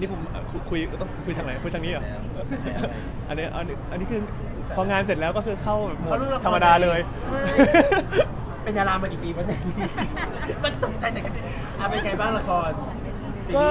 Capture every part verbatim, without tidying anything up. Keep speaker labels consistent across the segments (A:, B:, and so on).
A: นี้ผมคุยต้องคุยทางไหนคุยทางนี้เหรออันนี้อันนี้อันนี้คือพองานเสร็จแล้วก็คือเข้าโหมดธรรมดาเลย
B: เป็นดารามากี่ปีวะเนี่ยมันตกใจแต่กันอ่ะเป็นไงบ้างละคร
A: ก็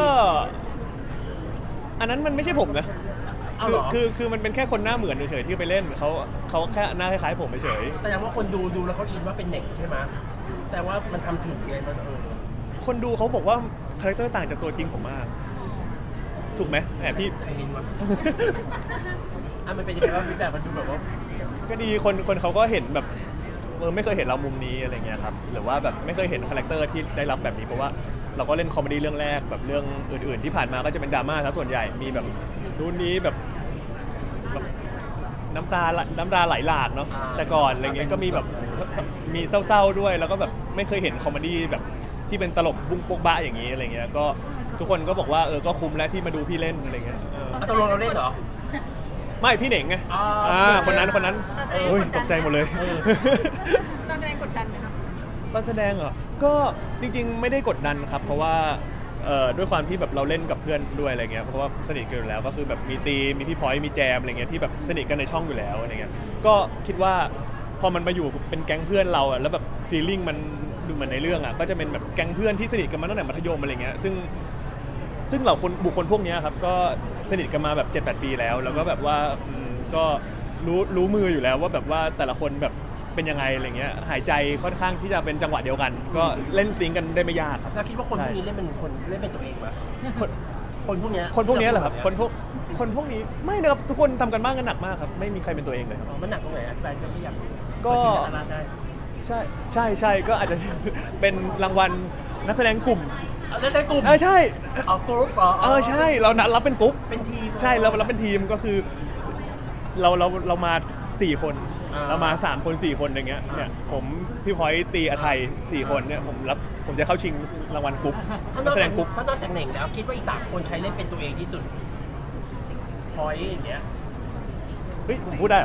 A: อันนั้นมันไม่ใช่ผมนะคือคือคือมันเป็นแค่คนหน้าเหมือนเฉยๆที่ไปเล่นเขาเขาแค่หน้าคล้ายๆผมเฉย
B: แสดงว่าคนดูดูแล้วเขาอินว่าเป็นเด็กใช่ไหมแสดงว่ามันทำถึงไงมันเออ
A: คนดูเขาบอกว่าคาแรคเตอร์ต่างจากตัวจริงผมมากถูกไหมแอบพี่
B: ใครเห็นวะอ่ะมันเป็นยังไงบ้างพี่แบบมันดูแบบว่า
A: ก็ดีคนคนเขาก็เห็นแบบเออไม่เคยเห็นเรามุมนี้อะไรเงี้ยครับหรือว่าแบบไม่เคยเห็นคาแรคเตอร์ที่ได้รับแบบนี้เพราะว่าเราก็เล่นคอมเมดี้เรื่องแรกแบบเรื่องอื่นๆที่ผ่านมาก็จะเป็นดราม่าซะส่วนใหญ่มีแบบรุ่นนี้แบบแบบน้ำตาน้ำตาไหลหลากเนาะแต่ก่อนอะไรเงี้ยก็มีแบบมีเศร้าๆด้วยแล้วก็แบบไม่เคยเห็นคอมเมดี้แบบที่เป็นตลกบุ้งโป๊กบ้าอย่างนี้อะไรเงี้ยก็ทุกคนก็บอกว่าเออก็คุ้มแล้วที่มาดูพี่เล่นอะไรเงี้ย
B: ตกลงเราเล่นเหรอ
A: ไม่พี่เหน่งไงอ่าคนนั้นคนนั้นโอ้ยตกใจหมดเลย
C: ตอนแสดงกดดันไหมคะ
A: ตอนแสดงเหรอก็จริงๆไม่ได้กดดันครับเพราะว่าด้วยความที่แบบเราเล่นกับเพื่อนด้วยอะไรเงี้ยเพราะว่าสนิทกันอยู่แล้วก็คือแบบมีตีมีพี่พอยมีแจมอะไรเงี้ยที่แบบสนิทกันในช่องอยู่แล้วอะไรเงี้ยก็คิดว่าพอมันมาอยู่เป็นแก๊งเพื่อนเราอ่ะแล้วแบบฟีลลิ่งมันดูเหมือนในเรื่องอ่ะก็จะเป็นแบบแก๊งเพื่อนที่สนิทกันมาตั้งแต่มัธยมอะไรเงี้ยซึ่งซึ่งเราคนบุคคลพวกนี้ครับก็สนิทกันมาแบบ เจ็ดแปด ปีแล้วแล้วก็แบบว่าก็รู้รู้มืออยู่แล้วว่าแบบว่าแต่ละคนแบบเป็นยังไงอะไรเงี้ยหายใจค่อนข้างที่จะเป็นจังหวะเดียวกันก็เล่นซิงกันได้ไม่ยากครับ
B: แล้วคิดว่าคนพวกนี้เล่นเป็นคนเล่นเป็นตัวเองไหมคนคนพวกนี้
A: คนพวกนี้เหรอครับคนพวกคนพวกนี้ไม่นะครับทุกคนทำกันบ้านกันหนักมากครับไม่มีใครเป็นตัวเองเลย
B: มันหนักตรงไหนอธิบายไม่อยาก
A: ก็ใช่ใช่ใช่ก็อาจจะเป็นรางวัลนักแสดงกลุ่ม
B: นักแสดงกลุ่ม
A: เออใช่
B: อ๋อกรุ๊ปอ๋อ
A: เออใช่เรานัดรับเป็นกรุ๊ป
B: เป็นทีม
A: ใช่เราเราเป็นทีมก็คือเราเราเรามาสี่คนเรามาสามคนสี่คนอย่างเงี้ยเนี่ยผมพี่พอยตีอาไทยสี่คนเนี่ยผมรับผมจะเข้าชิงรางวัลกรุ๊ปนักแสดงกรุ๊ป
B: ถ้านอกจากเหน่งแล้วคิดว่าอีกสามคนใครเล่นเป็นตัวเองที่สุดพอยอย่างเงี้ย
A: เฮ้ยผมพูดได้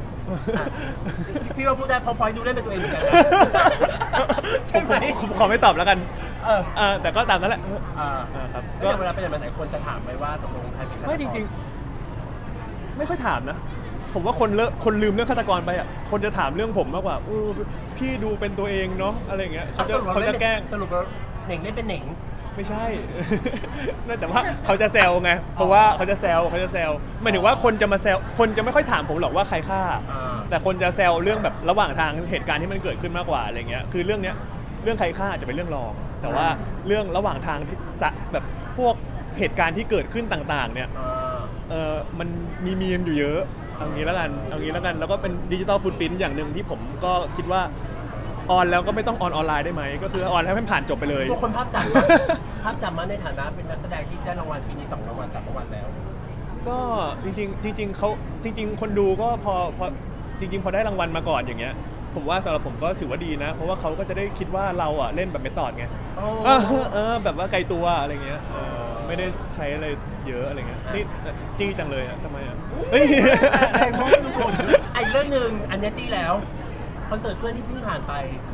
B: พี่ว่าพูดได้พอพอยดูเล่นเป็นตัวเองเหมือนกัน
A: ใช่ไหมผมขอไม่ตอบแล้วกันเออแต่ก็ตามนั้นแหละ
B: อ่าครับก็เวลาไปไหนคนจะถามไปว่าตกลงใครเป็น
A: ไม่จริงๆไม่ค่อยถามนะผมว่าคนเลอะคนลืมเรื่องฆาตกรไปอ่ะคนจะถามเรื่องผมมากกว่าอพี่ดูเป็นตัวเองเนาะอะไรเงี้ยเขาจะเขาจะแกล้ง
B: สรุปว่าเหน่งได้เป็นเหน่ง
A: ไม่ใช่แต่ว่าเขาจะแซวไงเพราะว่าเขาจะแซวเขาจะแซวหมายถึงว่าคนจะมาแซวคนจะไม่ค่อยถามผมหรอกว่าใครฆ่าแต่คนจะแซวเรื่องแบบระหว่างทางเหตุการณ์ที่มันเกิดขึ้นมากกว่าอะไรเงี้ยคือเรื่องเนี้ยเรื่องใครฆ่าจะเป็นเรื่องรองแต่ว่าเรื่องระหว่างทางที่แบบพวกเหตุการณ์ที่เกิดขึ้นต่างๆเนี่ยเออมันมีมีมอยู่เยอะเอางี้แล้วกันเอางี้แล้วกันแล้วก็เป็นดิจิตอลฟุตปรินท์อย่างหนึ่งที่ผมก็คิดว่าออนแล้วก็ไม่ต้องออนออนไลน์ได้ไหมก็คือออนแล้วให้ผ่านจบไปเลย
B: พวกคนภาพจำภาพจำมาในฐานะเป็นนักแสดงที่ได้รางวัลปีนี้สองรางวัลสามรางวัลแล้ว
A: ก็จริงๆจริงๆเขาจริงๆคนดูก็พอพอจริงๆพอได้รางวัลมาก่อนอย่างเงี้ยผมว่าสำหรับผมก็ถือว่าดีนะเพราะว่าเขาก็จะได้คิดว่าเราอ่ะเล่นแบบเมธอดไงเออเออแบบว่าไกลตัวอะไรเงี้ยไม่ได้ใช้อะไรเยอะอะไรเงี้ยนี่จี้จังเลยอ่ะทำไมอ่ะเฮ้ย
B: ไอ้เรื่องหนึ่งอันนี้จี้แล้วคอนเสิร์ตเพื่อนที่เพิ่งผ่านไป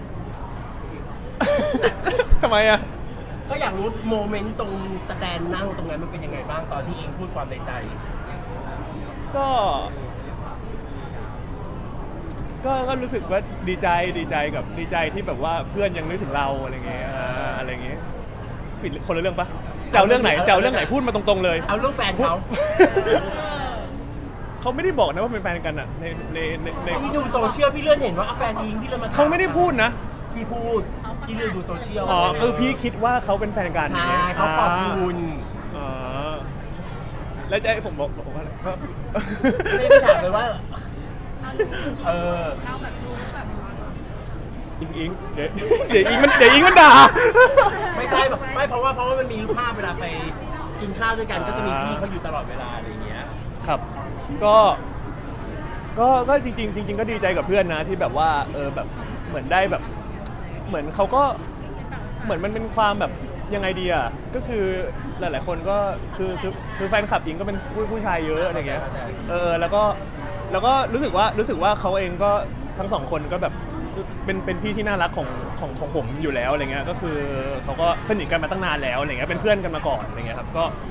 A: ทำไมอ่ะ
B: ก็อยากรู้โมเมนต์ตรงสแตนนั่งตรงนั้นมันเป็นยังไงบ้างตอนที่อิงพูดความในใจ
A: ก็ก็ก็รู้สึกว่าดีใจดีใจกับดีใจที่แบบว่าเพื่อนยังนึกถึงเราอะไรเงี้ยอะไรเงี้ยผิดคนละเรื่องปะเจ้าเรื่องไหนเจ้าเรื่องไหนพูดมาตรงๆเลย
B: เอาเรื่องแฟนเขา
A: เขาไม่ได้บอกนะว่าเป็นแฟนกันอ่ะในในใน
B: พี่ดูโซเชียลพี่เลื่อนเห็นว่าแฟนอิงพี่เลยมา
A: เขาไม่ได้พูดนะ
B: พี่พูดพี่เลื่อนดูโซเชียล
A: อ๋อเออพี่คิดว่าเขาเป็นแฟนกัน
B: ใช่เขาขอบคุณ
A: อ๋อแล้วจะให้ผมบอกบอกว่าอะไรก็
B: ไม่ได้ถามเลยว่าเออ
A: อิงอิงเดี๋ยวเดี๋ยวอิงมันเดี๋ยวอิงมันด่า
B: ไม่ใช่ไม่เพราะว่าเพราะว่ามันมีรูปภาพเวลาไปกินข้าวด้วยกันก็จะมีพี่เขาอยู่ตลอดเวลาอะไรเงี้ย
A: ครับก็ก็ก็จริงๆจริงๆก็ดีใจกับเพื่อนนะที่แบบว่าเออแบบเหมือนได้แบบเหมือนเขาก็เหมือนมันเป็นความแบบยังไงดีอ่ะก็คือหลายๆคนก็คือคือคือแฟนคลับอิงก็เป็นผู้ผู้ชายเยอะอะไรเงี้ยเออแล้วก็แล้วก็รู้สึกว่ารู้สึกว่าเขาเองก็ทั้งสองคนก็แบบเป็นเป็นพี่ที่น่ารักของของของผมอยู่แล้วอะไรเงี้ยก็คือเขาก็สนิทกันมาตั้งนานแล้วอะไรเงี้ยเป็นเพื่อนกันมาก่อนอะไรเงี้ยครับก็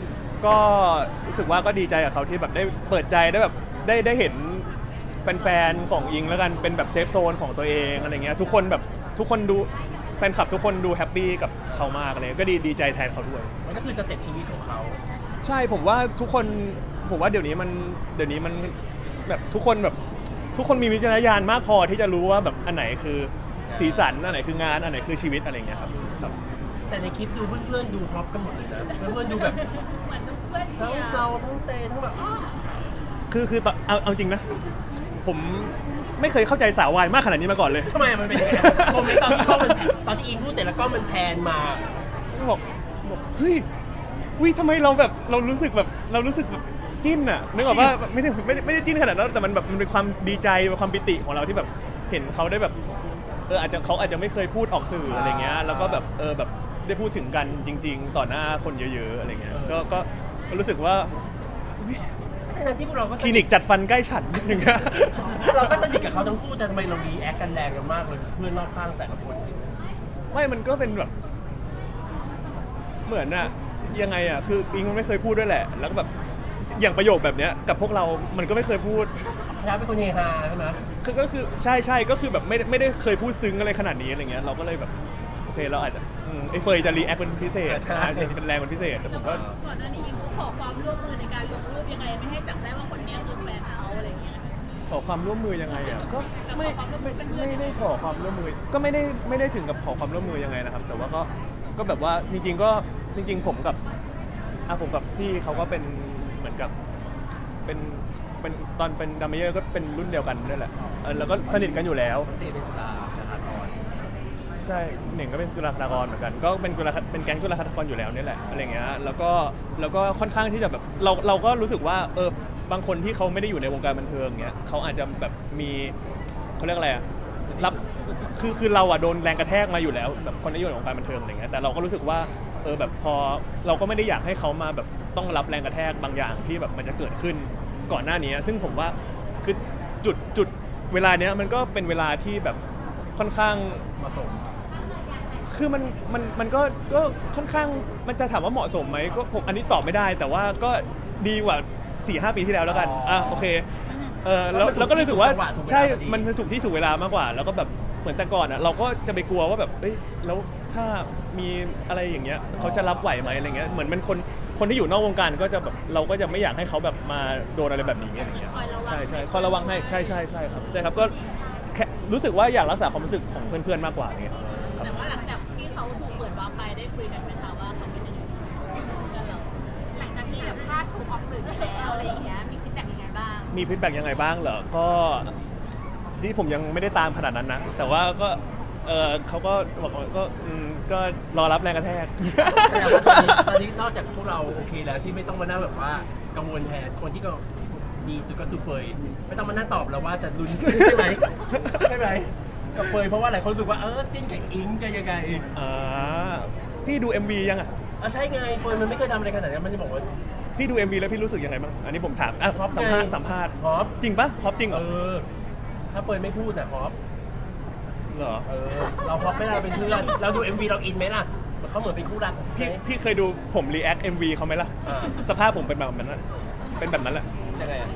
A: ก็รู้สึกว่าก็ดีใจกับเขาที่แบบได้เปิดใจได้แบบได้ได้เห็นแฟนๆของอิงแล้วกันเป็นแบบเซฟโซนของตัวเองอะไรเงี้ยทุกคนแบบทุกคนดูแฟนคลับทุกคนดูแฮปปี้กับเขามากเลยก็ดีดีใจแทนเขาด้วย
B: มันก็คือสเต็ปชีวิตของเขา
A: ใช่ผมว่าทุกคนผมว่าเดี๋ยวนี้มันเดี๋ยวนี้มันแบบทุกคนแบบทุกคนมีวิจารณญาณมากพอที่จะรู้ว่าแบบอันไหนคือสีสันอันไหนคืองานอันไหนคือชีวิตอะไรเงี้ยครับครับ
B: แต่ในคลิปดูเพื่อนๆดูฮอปกันหมดเลยนะเพื่อนๆดูแบบ
C: เหมือนเพื่อนเชี
B: ทั้ง
C: ยร์
B: เราทั้งเตทั้งแบบอ้าว
A: คือคือตอนเอาเอาจริงนะผมไม่เคยเข้าใจสาววายมากขนาดนี้มาก่อนเลย
B: ทำไมมันเป็นยังไงโมเมนต์ตอนที่กล้องมันตอนที่อิงพูดเสร็จแล้วกล้องมันแพนมา
A: บอกบอกเฮ้ยวิทำไมเราแบบเรารู้สึกแบบเรารู้สึกแบบจิ้นอะนึกออกว่าไม่ได้ไม่ได้ไม่ได้จิ้นขนาดนั้นแต่มันแบบมันเป็นความดีใจเป็นความปิติของเราที่แบบเห็นเขาได้แบบเอออาจจะเขาอาจจะไม่เคยพูดออกสื่ออะไรเงี้ยแล้วก็แบบเออแบบได้พูดถึงกันจริง ๆ ต่อหน้าคนเยอะๆอะไรเงี้ยก็ก็ก็รู้สึกว่า
B: ทั้งที่พวกเราก็
A: คลินิกจัดฟันใกล้ฉันนิดนึงนะ
B: เราก็สนิทกับเขาทั้งคู่แต่ทำไมเรารีแอคกันแรงกันมากเลยเพื่อนรอบข้างแต่ละคน
A: ไม่มันก็เป็นแบบเหมือนอะยังไงอะคืออิงมันไม่เคยพูดด้วยแหละ แล้วก็แบบอย่างประโยคแบบเนี้ยกับพวกเรา มันก็ไม่เคยพูด
B: คณะเป็นคนเฮฮาใช่ไหม
A: คือก็คือใช่ใช่ก็คือแบบไม่ได้ไม่ได้เคยพูดซึ้งอะไรขนาดนี้อะไรเงี้ยเราก็เลยแบบโอเคเราอาจจะอืมไอ้เฟยจะรีแอคเป็นพิเศษอาจจะเป็นแรงเป็นพิเศษแต่ผมก็
C: ก่อนหน้านี้ยิงขอความร่วมมือในการลงรูปยังไงไม่ให้จับได้ว่าคนนี้คือแฟนเขาอะไรเงี้ย
A: ขอความร่วมมือยังไงอ่ะก็ไม่
C: ขอความร่วมมื
A: ไม่
C: อเป็นเพื่อน
A: ไม่ได้ขอความร่วมมือ ก็ไม่ได้ไม่ได้ถึงกับขอความร่วมมือยังไงนะครับ แต่ว่าก็ก็แบบว่าจริงๆก็จริงๆผมกับอ่ะผมกับพี่เขาก็เป็นเหมือนกับเป็นเป็นตอนเป็นดัมเมเยอร์ก็เป็นรุ่นเดียวกันด้วยแหละเออแล้วก็สนิทกันอยู่แล้ว
B: เตเป็นจุฬาสถาธร
A: ใช่หนึ่งก็เป็นจุฬาคตากรเหมือนกันก็เป็นจุฬาเป็นแก๊งจุฬาคตากรอยู่แล้วนี่แหละอะไรเงี้ยแล้วก็แล้วก็ค่อนข้างที่จะแบบเราเราก็รู้สึกว่าเออบางคนที่เขาไม่ได้อยู่ในวงการบันเทิงเงี้ยเขาอาจจะแบบมีเขาเรียกอะไรอะรับคือคือเราอะโดนแรงกระแทกมาอยู่แล้วแบบคนที่อยู่ในวงการบันเทิงอะไรเงี้ยแต่เราก็รู้สึกว่าเออแบบพอเราก็ไม่ได้อยากให้เขามาแบบต้องรับแรงกระแทกบางอย่างที่แบบมันจะเกิดขึ้นก่อนหน้านี้ซึ่งผมว่าคือจุดจุดเวลาเนี้ยมันก็เป็นเวลาที่แบบค่อนข้าง
B: เหมาะสม
A: คือมันมันมันก็ก็ค่อนข้างมันจะถามว่าเหมาะสมไหมก็ผมอันนี้ตอบไม่ได้ แต่ว่าก็ดีกว่า สี่ห้า ปีที่แล้วแล้วกันอ่ะโอเคเออแล้วแล้วก็เลยถือว่าใช่มันถูกที่ถูกเวลามากกว่า แล้วก็แบบเหมือนแต่ก่อนอ่ะเราก็จะไปกลัวว่าแบบเอ้ยแล้วถ้ามีอะไรอย่างเงี้ยเขาจะรับไหวไหมอะไรเงี้ยเหมือนมันคนคนที่อยู่นอกวงการก็จะแบบเราก็จะไม่อยากให้เขาแบบมาโดนอะไรแบบนี้อะไรเงี้ยใช่ใช่คอยระวังให้ใช่ใช่ใช่ครับใช่ครับก็แค่รู้สึกว่าอยากรักษาความรู้สึกของเพื่อนๆมากกว่าเนี่ย
C: แต่ว่าหลังจากที่เขาถูกเปิดวาร์ปไปได้คุยกันไหมคะว่าเขาเป็นยังไงกันเราหลังจากที่แบบภาพถูกออกสื่อแล้วอะไรอย่างเงี้ยมีฟีดแบ็กยังไงบ้าง
A: มีฟีดแบ็กยังไงบ้างเหรอ ก็ที่ผมยังไม่ได้ตามขนาดนั้นนะ แต่ว่าก็เออเขาก็บอกว่าก็อืมก็รอรับแรงกระแทก
B: แสดงว่าตอนนี้ตอนนี้นอกจากพวกเราโอเคแล้วที่ไม่ต้องมานั่งแบบว่ากังวลแทนคนที่ก็ดีสุดก็คือเฟยไม่ต้องมานั่งตอบแล้วว่าจะลุ้นใช่ไหมใช่ไหมกับเฟยเพราะว่าหลายคนรู้สึกว่าเออจิ้นกับอิงจะยังไง
A: อ่าพี่ดู เอ็ม วี ยังอ่ะ
B: อ่ะใช่ไงเฟยมันไม่เคยทำอะไรขนาดนั้นมันจะบอกว่า
A: พี่ดู เอ็ม วี แล้วพี่รู้สึกยังไงบ้าง อันนี้ผมถามอ่ะ
B: ฮอป
A: สัมภาษณ์
B: ไง
A: สัมภาษณ์
B: ฮอป
A: จริงปะฮอปจริงเหร
B: เอ
A: อ
B: อถ้าเฟยไม่พูดนะฮอป
A: เหรอ
B: เออเราฮอปไม่ได้เราเป็นเพื่อนเราดู เอ็ม วี เราอินไหมล่ะเขาเหมือนเป็นคู่รัก
A: พี่
B: ไหม
A: พี่เคยดูผมรีแอค เอ็ม วี เขาไหมล่ะ
B: อ่า
A: สภาพผมเป็นแบบนั้นอะเป็นแบบนั้นแหละ
B: ยังไงอ่ะ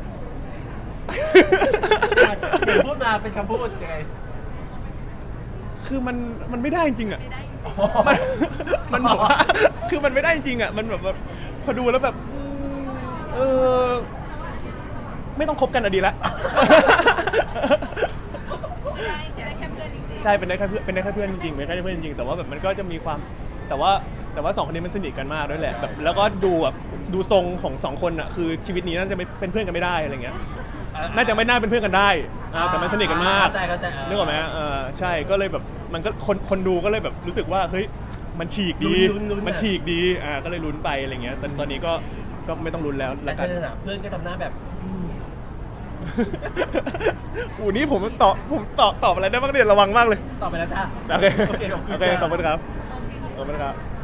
B: เดี๋ยวพูดมาเป็นคำพูดยังไง
A: คือมันมันไม่ได้จริงๆอ่ะ มันมันแบบว่าคือมันไม่ได้จริงอ่ะ มันแบบว่าพอดูแล้วแบบอืมเออไม่ต้องคบกันอะดีละ
C: ใช่ได้แค่เพื่อนจริงๆ
A: ใช่เป็นได้แค่เพื่อนเป็นได้แค่เพื่อนจริงๆเป็นได้แค่เพื่อนจริงๆแต่ว่าแบบมันก็จะมีความแต่ว่าแต่ว่าสองคนนี้มันสนิทกันมากด้วยแหละแบบแล้วก็ดูแบบดูทรงของสองคนอ่ะคือชีวิตนี้น่าจะไม่เป็นเพื่อนกันไม่ได้อะไรเงี้ยน่าจะไม่น่าเป็นเพื่อนกันได้อ่าแต่มันสนิทกันมาก
B: เข้าใจเข้าใจ
A: นึกออกไหมเออใช่ก็เลยแบบมันก็คนคนดูก็เลยแบบรู้สึกว่าเฮ้ยมันฉีกดี
B: ลุ้นลุ้นลุ้น
A: มันฉีกดีอ่าก็เลยลุ้นไปอะไรเงี้ยแต่ตอนนี้ก็ก็ไม่ต้องลุ้นแล้ว
B: แต่
A: ละ
B: เธ
A: กัน
B: อน่ะเพื่อนก็ทำหน้าแบบ
A: อูนี่ผมตอบผมตอบตอบอะไรได้บ้างเนี่ยระวังมากเลย
B: ตอบไปแล้วจ้า
A: โอเค
B: โอเคขอบคุณ
A: โอเค
B: จ้า
A: ขอบคุณครับขอบคุณครับ